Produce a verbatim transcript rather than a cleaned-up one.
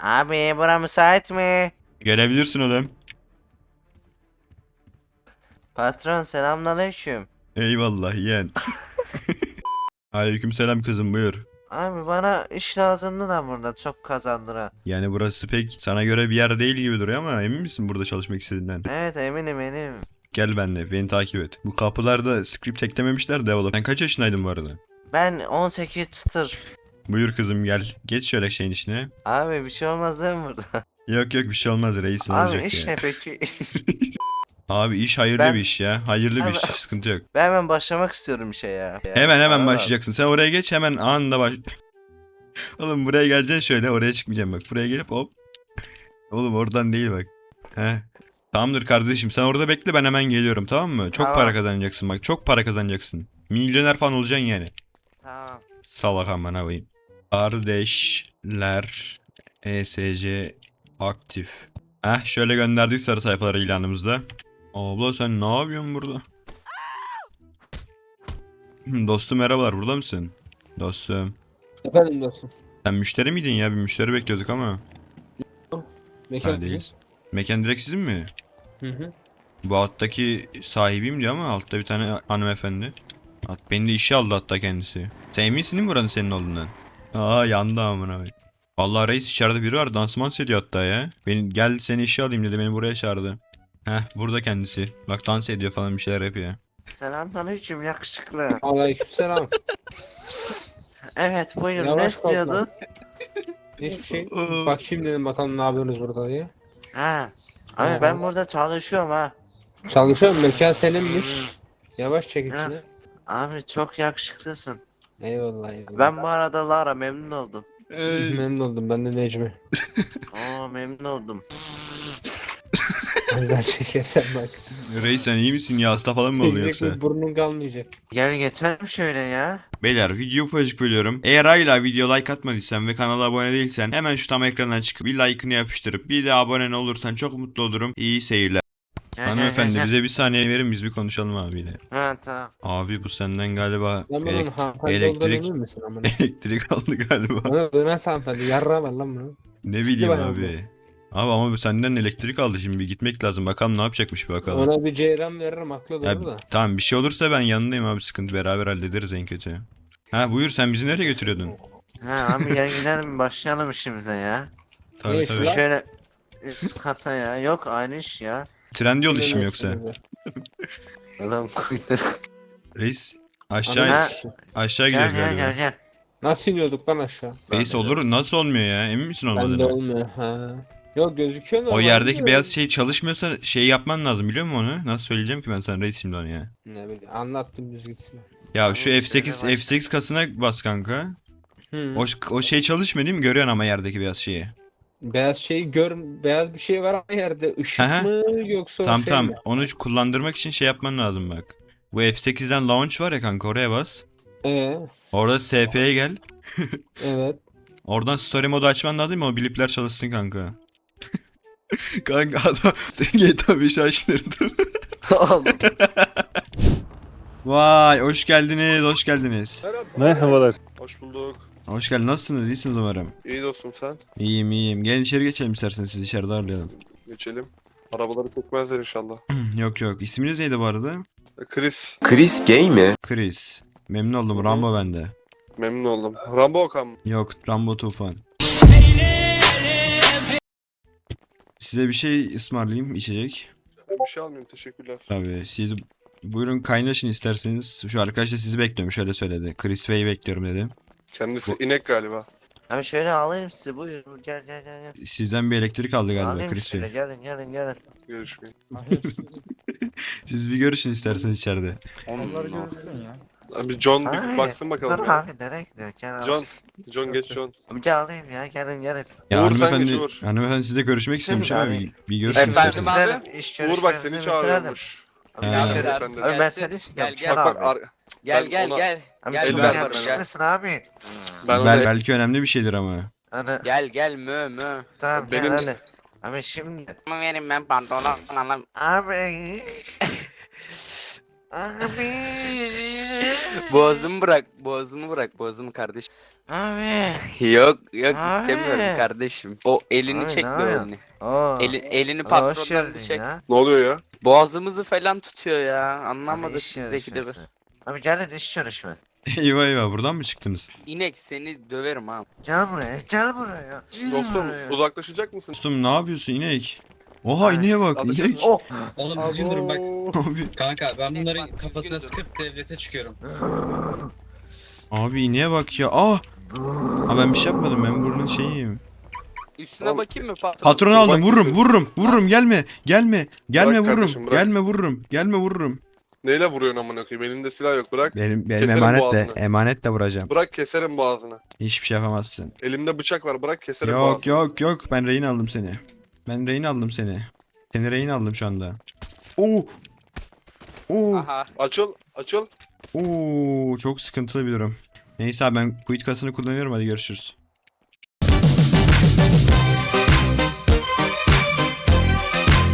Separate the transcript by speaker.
Speaker 1: Abi bura müsait mi?
Speaker 2: Gelebilirsin oğlum.
Speaker 1: Patron selamünaleyküm.
Speaker 2: Eyvallah yeğen. Aleykümselam kızım, buyur.
Speaker 1: Abi bana iş lazımdı da burada çok kazandıran.
Speaker 2: Yani burası pek sana göre bir yer değil gibi duruyor ama emin misin burada çalışmak istediğinden?
Speaker 1: Evet eminim eminim.
Speaker 2: Gel benimle, beni takip et. Bu kapılarda script eklememişler develop. Sen kaç yaşındaydın bu arada?
Speaker 1: Ben on sekiz çıtır.
Speaker 2: Buyur kızım gel. Geç şöyle şeyin içine.
Speaker 1: Abi bir şey olmaz değil mi burada?
Speaker 2: Yok yok, bir şey olmaz, reisin
Speaker 1: Abi
Speaker 2: olacak
Speaker 1: iş
Speaker 2: ya.
Speaker 1: ne peki?
Speaker 2: Abi iş hayırlı
Speaker 1: Ben-
Speaker 2: bir iş ya. Hayırlı bir
Speaker 1: Abi-
Speaker 2: iş, sıkıntı yok.
Speaker 1: Ben hemen başlamak istiyorum işe ya.
Speaker 2: Hemen hemen
Speaker 1: Para
Speaker 2: başlayacaksın. Sen oraya geç, hemen anında baş... Oğlum buraya geleceksin şöyle, oraya çıkmayacağım bak. Buraya gelip hop. Oğlum oradan değil bak. He. Tamamdır kardeşim, sen orada bekle, ben hemen geliyorum, tamam mı? Çok
Speaker 1: Tamam.
Speaker 2: para kazanacaksın bak, çok para kazanacaksın. Milyoner falan olacaksın yani.
Speaker 1: Tamam.
Speaker 2: Salak aman koyayım. Kardeşler E S C aktif. Heh, şöyle gönderdik sarı sayfaları ilanımızda. Abla sen ne yapıyorsun burada? Dostum merhabalar, burada mısın? Dostum.
Speaker 3: Efendim dostum.
Speaker 2: Sen müşteri miydin ya? Bir müşteri bekliyorduk ama.
Speaker 3: Mekan
Speaker 2: Ha, değiliz. Mekan direkt sizin mi?
Speaker 3: Hı hı.
Speaker 2: Bu alttaki sahibiyim diyor ama altta bir tane hanımefendi. At, beni de işe aldı hatta kendisi. Sen eminsin değil mi buranın senin olduğundan? Aa, yandı amına koyayım. Vallahi reis, içeride biri var, dansman ediyor hatta ya. Beni gel seni işe alayım dedi, beni buraya çağırdı. Heh, burada kendisi. Bak dans ediyor falan, bir şeyler yapıyor.
Speaker 1: Selamünaleyküm yakışıklı.
Speaker 3: Aleykümselam.
Speaker 1: Evet buyurun ne
Speaker 3: Yavaş kalk
Speaker 1: istiyordun?
Speaker 3: Hiçbir şey. Bak şimdi dedim bakalım ne yapıyorsunuz burada diye.
Speaker 1: Ha. Abi
Speaker 3: Ha.
Speaker 1: ben burada çalışıyorum ha.
Speaker 3: Çalışıyorum, mekan seninmiş. Yavaş çek
Speaker 1: Ha.
Speaker 3: içine.
Speaker 1: Abi çok yakışıklısın.
Speaker 3: Eyvallah eyvallah.
Speaker 1: Ben bu arada Lara memnun oldum.
Speaker 3: Memnun oldum, ben de Necmi.
Speaker 1: Oo memnun oldum.
Speaker 3: Az daha çekersen bak.
Speaker 2: Reis sen iyi misin ya, hasta falan mı oldu
Speaker 3: Çekecek
Speaker 2: yoksa?
Speaker 3: bir burnun kalmayacak.
Speaker 1: Gel geçelim şöyle ya.
Speaker 2: Beyler, video ufacık bölüyorum. Eğer hala video like atmadıysan ve kanala abone değilsen hemen şu tam ekrandan çıkıp bir like'ını yapıştırıp bir de abone olursan çok mutlu olurum. İyi seyirler.
Speaker 1: Gel, gel,
Speaker 2: Hanımefendi
Speaker 1: gel, gel.
Speaker 2: bize bir saniye verin, biz bir konuşalım abiyle.
Speaker 1: Ha tamam.
Speaker 2: Abi bu senden galiba
Speaker 3: Sen bunun
Speaker 2: elek-
Speaker 3: hanımefendi olduğunu
Speaker 2: elektrik
Speaker 3: emin misin amına?
Speaker 2: elektrik aldı galiba.
Speaker 3: Bana bu nasıl hanımefendi? Yarra var lan bunu.
Speaker 2: Ne
Speaker 3: Ciddi
Speaker 2: bileyim
Speaker 3: bayağı
Speaker 2: abi. Abi ama bu senden elektrik aldı, şimdi bir gitmek lazım, bakalım ne yapacakmış bir bakalım.
Speaker 3: Ona bir ceyran veririm, haklı
Speaker 2: Ya,
Speaker 3: doğru da.
Speaker 2: tamam, bir şey olursa ben yanındayım abi, sıkıntı, beraber hallederiz en kötü. Ha buyur, sen bizi nereye götürüyordun?
Speaker 1: Ha abi gel gidelim başlayalım işimize ya.
Speaker 2: Tabii
Speaker 3: Ne
Speaker 2: tabii.
Speaker 3: iş lan?
Speaker 1: Şöyle üst kata ya. Yok aynı iş ya.
Speaker 2: Trendyol işi mi
Speaker 3: Ne
Speaker 2: yoksa?
Speaker 3: işiniz var?
Speaker 1: Ulan kuytu.
Speaker 2: Reis aşağı
Speaker 1: Ha.
Speaker 2: aşağı
Speaker 1: Gel
Speaker 2: gidiyoruz
Speaker 1: gel
Speaker 2: galiba.
Speaker 1: gel gel.
Speaker 3: Nasıl iniyorduk lan aşağı?
Speaker 2: Reis olur, nasıl olmuyor ya, emin misin
Speaker 3: Bende
Speaker 2: olmadığını?
Speaker 3: olmuyor ha. Yok gözüküyor
Speaker 2: O
Speaker 3: normalde
Speaker 2: yerdeki
Speaker 3: de.
Speaker 2: beyaz şey çalışmıyorsa şey yapman lazım, biliyor musun onu? Nasıl söyleyeceğim ki ben sana reis şimdi onu ya?
Speaker 3: Ne bileyim, anlattım düz gitsin.
Speaker 2: Ya
Speaker 1: Abi
Speaker 2: şu
Speaker 1: şöyle
Speaker 2: F sekiz
Speaker 1: başla.
Speaker 2: F sekiz kasına bas kanka.
Speaker 3: Hı.
Speaker 2: O, o şey çalışmıyor değil mi? Görüyorsun ama yerdeki beyaz şeyi.
Speaker 3: Beyaz şeyi gör, beyaz bir şey var ama yerde ışık
Speaker 2: Aha.
Speaker 3: mı yoksa o
Speaker 2: Tamam
Speaker 3: şey
Speaker 2: tamam,
Speaker 3: mi?
Speaker 2: onu kullandırmak için şey yapman lazım bak. Bu F sekizden launch var ya kanka, oraya bas.
Speaker 3: Ee,
Speaker 2: Orada S P'ye gel.
Speaker 3: evet.
Speaker 2: Oradan story modu açman lazım mı? O blipler çalışsın kanka. Kanka adam G T A beşi açtırdı.
Speaker 1: Oğlum.
Speaker 2: Vay, hoş geldiniz, hoş geldiniz.
Speaker 4: Merhabalar.
Speaker 5: Hoş bulduk.
Speaker 2: Hoş geldiniz, nasılsınız? İyisiniz umarım.
Speaker 5: İyi dostum sen.
Speaker 2: İyiyim iyiyim. Gelin içeri geçelim isterseniz, sizi içeride ağırlayalım.
Speaker 5: Geçelim. Arabaları çekmezler inşallah.
Speaker 2: Yok yok. İsminiz neydi bu arada?
Speaker 5: E, Chris.
Speaker 4: Chris gay mi?
Speaker 2: Chris. Memnun oldum.
Speaker 5: Hı hı.
Speaker 2: Rambo bende.
Speaker 5: Memnun oldum. Rambo Okan mı?
Speaker 2: Yok, Rambo Tufan. Size bir şey ısmarlayayım, içecek.
Speaker 5: Ben bir şey almıyorum teşekkürler.
Speaker 2: Tabii siz buyurun kaynaşın isterseniz. Şu arkadaş da sizi bekliyorum, şöyle söyledi. Chris Bey'i bekliyorum dedi.
Speaker 5: Kendisi inek galiba.
Speaker 1: Abi şöyle alayım sizi buyurun gel gel gel. gel.
Speaker 2: Sizden bir elektrik aldı galiba
Speaker 1: Alayım
Speaker 2: Chris
Speaker 1: şöyle
Speaker 2: Bey.
Speaker 1: gelin gelin gelin.
Speaker 5: Görüşmeyin.
Speaker 2: Siz bir görüşün isterseniz içeride.
Speaker 4: Onları görürsün ya.
Speaker 5: Abi John bir
Speaker 1: Abi,
Speaker 5: baksın bakalım.
Speaker 1: Dur
Speaker 5: ya.
Speaker 1: abi nereye gidiyor? Gel abi.
Speaker 5: John. John geç John.
Speaker 1: Abi gel alayım ya gelin gelin.
Speaker 2: Ya
Speaker 5: Uğur, sen
Speaker 2: hanımefendi,
Speaker 5: geç, Uğur.
Speaker 2: hanımefendi sizle görüşmek
Speaker 1: Şimdi
Speaker 2: istemiş ama
Speaker 1: abi-
Speaker 2: bir, bir görüşün
Speaker 1: Efendim
Speaker 2: isterseniz.
Speaker 1: bitirelim. İş
Speaker 5: Uğur bak
Speaker 1: görüşmemizi
Speaker 5: seni
Speaker 1: bitirelim.
Speaker 5: çağırıyormuş.
Speaker 1: Abi,
Speaker 2: Ha.
Speaker 1: iş görüş-
Speaker 5: Efendim.
Speaker 1: abi ben seni istiyorum.
Speaker 6: Gel,
Speaker 1: Gel,
Speaker 6: gel.
Speaker 5: Bak bak
Speaker 1: abi.
Speaker 5: ar-
Speaker 6: Gel
Speaker 5: Ben
Speaker 6: gel
Speaker 5: ona-
Speaker 6: gel.
Speaker 1: Abi
Speaker 6: Gel
Speaker 1: çok
Speaker 5: ben-
Speaker 6: ben
Speaker 1: yakışıklısın abi.
Speaker 5: ben ona
Speaker 2: Bel, belki önemli bir şeydir ama.
Speaker 1: Hani
Speaker 6: Gel gel mö mö.
Speaker 1: tamam
Speaker 5: Benim-
Speaker 1: gel hadi. Abi şimdi
Speaker 6: Ama verin ben pantolon alalım.
Speaker 1: abi. Abi.
Speaker 6: Boğazımı bırak, boğazımı bırak, boğazımı kardeşim.
Speaker 1: Abi.
Speaker 6: Yok, yok
Speaker 1: Abi.
Speaker 6: istemiyorum kardeşim. O elini
Speaker 1: Abi,
Speaker 6: çek
Speaker 1: ne
Speaker 6: bir
Speaker 1: yapıyorsun?
Speaker 6: elini.
Speaker 1: Oo.
Speaker 6: Eli, elini
Speaker 1: Hoş
Speaker 6: patrondan
Speaker 1: geldin
Speaker 6: çek.
Speaker 1: ya.
Speaker 5: Ne oluyor ya?
Speaker 6: Boğazımızı falan tutuyor ya.
Speaker 1: Abi
Speaker 6: Anlamadık
Speaker 1: iş
Speaker 6: bizdeki de. bir-
Speaker 1: görüşmesi. Abi gelin iş görüşmesi.
Speaker 2: eyvah eyvah buradan mı çıktınız?
Speaker 6: İnek seni döverim ha.
Speaker 1: Gel buraya, gel buraya. Gel
Speaker 5: Dostum
Speaker 1: buraya.
Speaker 5: uzaklaşacak mısın?
Speaker 2: Dostum ne yapıyorsun inek? Oha
Speaker 1: Ay,
Speaker 2: ineğe bak
Speaker 5: ateş
Speaker 2: inek.
Speaker 1: Oh.
Speaker 7: Oğlum düzgün durun bak.
Speaker 2: Abi,
Speaker 7: Kanka ben
Speaker 6: Bak,
Speaker 7: bunların
Speaker 6: düzgün
Speaker 7: kafasına
Speaker 6: dur.
Speaker 7: sıkıp devlete çıkıyorum.
Speaker 2: abi ineğe bak ya. Ah. Ha ben bir şey yapmadım ben burnun şeyiyim.
Speaker 6: Üstüne
Speaker 5: Oğlum,
Speaker 6: bakayım mı patron?
Speaker 2: Patron
Speaker 5: Dur,
Speaker 2: aldım
Speaker 5: bak
Speaker 2: vururum
Speaker 5: bir-
Speaker 2: vururum vururum gelme gelme gelme
Speaker 5: Bırak
Speaker 2: vururum
Speaker 5: kardeşim, bırak.
Speaker 2: gelme vururum gelme vururum.
Speaker 5: Neyle vuruyorsun amına koyayım? Elinde silah yok, bırak.
Speaker 2: Benim benim
Speaker 5: Keserim
Speaker 2: emanetle
Speaker 5: boğazını.
Speaker 2: emanetle vuracağım.
Speaker 5: Bırak keserim boğazını.
Speaker 2: Hiçbir şey yapamazsın.
Speaker 5: Elimde bıçak var, bırak keserim
Speaker 2: Yok
Speaker 5: boğazını.
Speaker 2: yok yok ben rehin aldım seni. Ben rehin aldım seni. Seni rehin aldım şu anda. Oo. Oo.
Speaker 6: Aha.
Speaker 5: Açıl, açıl.
Speaker 2: Oo çok sıkıntılı bir durum. Neyse abi ben quit kasını kullanıyorum hadi görüşürüz.